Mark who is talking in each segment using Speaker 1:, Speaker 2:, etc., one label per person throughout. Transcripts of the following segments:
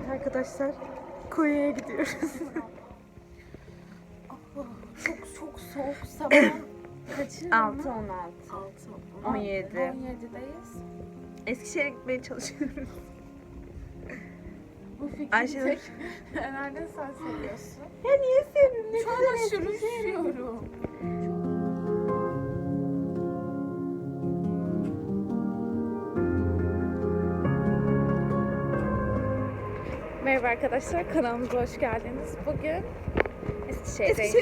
Speaker 1: arkadaşlar, Konya'ya gidiyoruz.
Speaker 2: Çok soğuk sabah. Kaçı?
Speaker 1: 6-16. 17.
Speaker 2: 17'deyiz.
Speaker 1: Eskişehir'e gitmeye çalışıyoruz.
Speaker 2: Bu fikri
Speaker 1: Ayşenur.
Speaker 2: tek herhalde sen seviyorsun.
Speaker 1: Ya niye sevmiyorum? Ne
Speaker 2: Çok
Speaker 1: kadar
Speaker 2: aşırı
Speaker 1: Eskişehir'e
Speaker 2: seviyorum. Merhaba arkadaşlar, kanalımıza hoş geldiniz. Bugün Eskişehir'deyiz.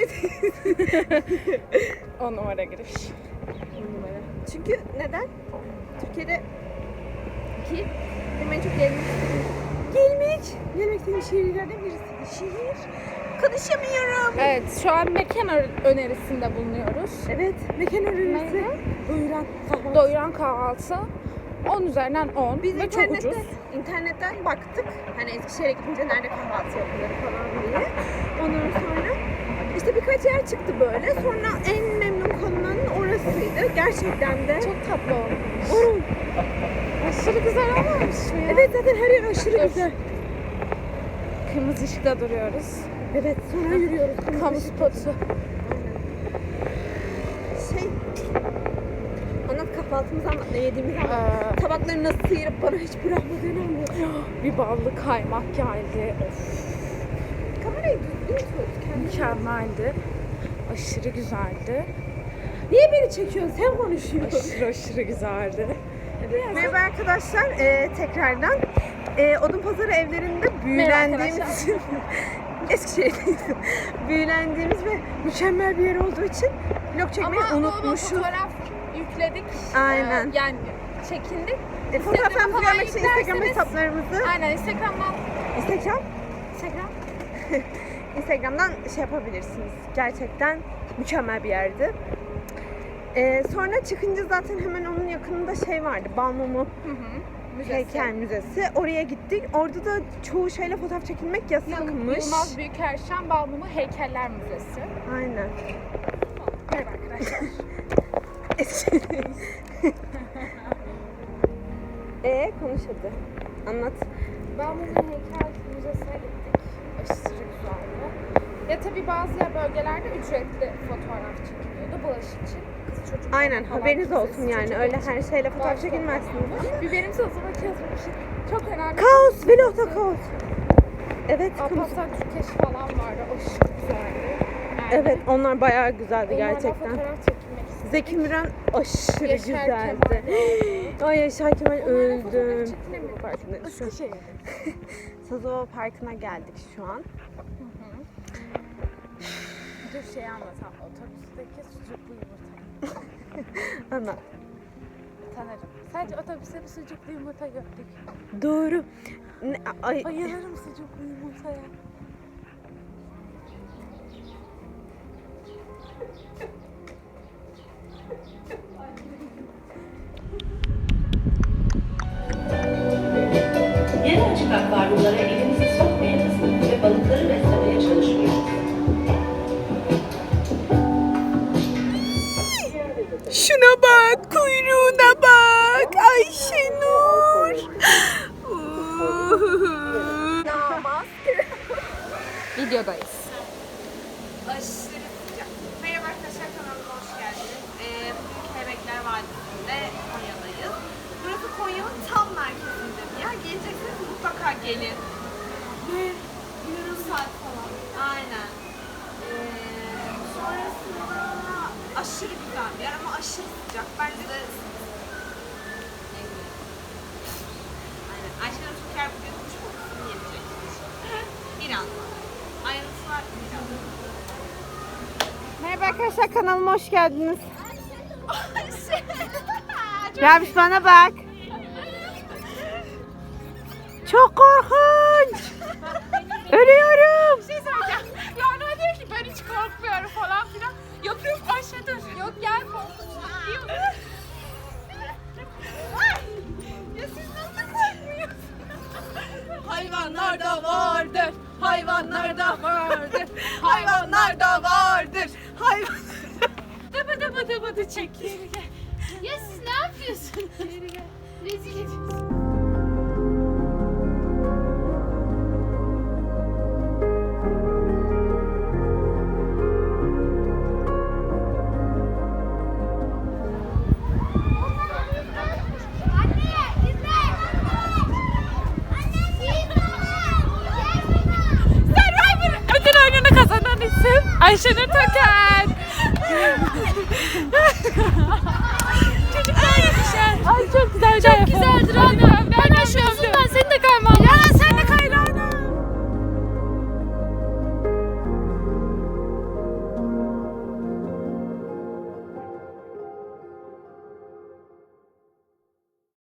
Speaker 2: 10 numara giriş.
Speaker 1: Çünkü neden? Türkiye'de benim en çok gelmek istediğim şehirlerden birisi. Şehir. Konuşamıyorum.
Speaker 2: Evet, şu an mekan önerisinde bulunuyoruz.
Speaker 1: Evet, mekan önerisi.
Speaker 2: Neydi?
Speaker 1: Doyuran kahvaltı.
Speaker 2: Doyuran kahvaltı 10 üzerinden 10
Speaker 1: Biz
Speaker 2: ve çok ucuz.
Speaker 1: internetten baktık. Hani Eskişehir'e gidince nerede kahvaltı yapılır falan diye. Ondan sonra işte birkaç yer çıktı böyle. Sonra en memnun kalınan orasıydı. Gerçekten de.
Speaker 2: Çok tatlı olmuş.
Speaker 1: Oğlum.
Speaker 2: Aşırı güzel olmamış mı ya?
Speaker 1: Evet, zaten her yer aşırı
Speaker 2: Dur.
Speaker 1: güzel.
Speaker 2: Kırmızı ışıkta duruyoruz.
Speaker 1: Evet, sonra yürüyoruz.
Speaker 2: Kamu spotu.
Speaker 1: Anlat, kahvaltımızı anlat, ne yediğimizi anlat. Tabakları nasıl sıyırıp bana hiç bırakmadığını anlat.
Speaker 2: Bir ballı kaymak geldi. Of,
Speaker 1: Kamerayı düzgün tut.
Speaker 2: mükemmeldi. Aşırı güzeldi.
Speaker 1: Niye beni çekiyorsun? Sen konuşuyorsun.
Speaker 2: Aşırı güzeldi.
Speaker 1: Merhaba arkadaşlar, tekrardan Odunpazarı evlerinde büyülendiğimiz için Eskişehir'deyiz. Büyülendiğimiz ve mükemmel bir yer olduğu için vlog çekmeyi unutmuşuz.
Speaker 2: Fotoğraf yükledik.
Speaker 1: Aynen.
Speaker 2: Yani çekindik.
Speaker 1: Fotoğraflarımızı
Speaker 2: falan
Speaker 1: görmek için Instagram
Speaker 2: yüklerseniz-
Speaker 1: hesaplarımızı
Speaker 2: Aynen Instagram'dan.
Speaker 1: Instagram'dan şey yapabilirsiniz. Gerçekten mükemmel bir yerdi. Sonra çıkınca zaten hemen onun yakınında şey vardı. Balmumu Heykel Müzesi. Oraya gittik. Orada da çoğu şeyle fotoğraf çekilmek yasakmış.
Speaker 2: Yılmaz Büyükerşen Balmumu Heykeller Müzesi.
Speaker 1: Aynen.
Speaker 2: Merhaba arkadaşlar.
Speaker 1: Konuş hadi. Anlat.
Speaker 2: Balmumu Heykel Müzesi'ne gittik. Aşırı güzeldi. Ya tabii bazı bölgelerde ücretli fotoğraf çekiliyordu bulaşık için. Kız çocuk.
Speaker 1: Aynen, haberiniz olsun yani. Öyle her şeyle fotoğraf
Speaker 2: Bazı
Speaker 1: çekilmezsiniz.
Speaker 2: Biberim sözüme yazmışım. Çok önemli.
Speaker 1: Kaos, vlogda kaos. Evet, kamu.
Speaker 2: Alparslan Türkeş falan vardı. Aşırı güzeldi. Yani
Speaker 1: Evet, onlar bayağı güzeldi
Speaker 2: onlarla
Speaker 1: gerçekten.
Speaker 2: fotoğraf çekilmek istedim.
Speaker 1: Zeki Müren aşırı
Speaker 2: Yaşar
Speaker 1: güzeldi.
Speaker 2: Kemal
Speaker 1: Ay Yaşar Kemal
Speaker 2: Onlarla
Speaker 1: öldüm.
Speaker 2: fotoğraf çekilemiyor. Eskişehir.
Speaker 1: Sazova Parkı'na geldik şu an.
Speaker 2: Dur şey anlatam. Otobüsteki sucuklu yumurta.
Speaker 1: Anlat.
Speaker 2: Tanırım. Sadece otobüste bir sucuklu yumurta gördük.
Speaker 1: Doğru.
Speaker 2: Bayılırım sucuklu yumurtaya.
Speaker 3: Yarı açık akvaryumlara elimizi sokmayınız ve balıkları beslemeye çalışmayınız.
Speaker 1: Şuna bak, kuyruğuna bak. Ayşenur.
Speaker 2: Videodayız.
Speaker 1: Aşırı sıcak. Merhaba arkadaşlar, kanalıma hoş geldiniz. Bugün Kelebekler Vadisi'nde Konya'dayız. Burası Konya'nın tam merkezinde bir yer. Gelecekseniz mutlaka gelin. Ve yarım saat falan. Aynen. Sonrasında aşırı güzel bir yer ama aşırı sıcak. Bence de aynen. Ayşenur Türker bugün kuş kokusunu yiyecek. Birazdan. Ayrıntılar birazdan. Merhaba arkadaşlar, kanalıma hoş geldiniz. Gelmiş bana bak. Çok korkunç. Ölüyorum.
Speaker 2: Bir şey söyleyeceğim. Yani o diyor ki ben hiç korkmuyorum falan filan. Yapıyorum Ayşe dur. Yok gel korkunç. Diyor. Ya siz nasıl korkmuyorsunuz? Hayvanlar da vardır. Hayvanlar da vardır. Hayvanlar da vardır. Hayvan. Dıbı çek. Geri gel. Ya siz ne yapıyorsunuz? Geri gel. Rezil ediyorsunuz. Ayşenur Toker. Çocuklar yapışar. Ay çok güzel. Çok güzeldir.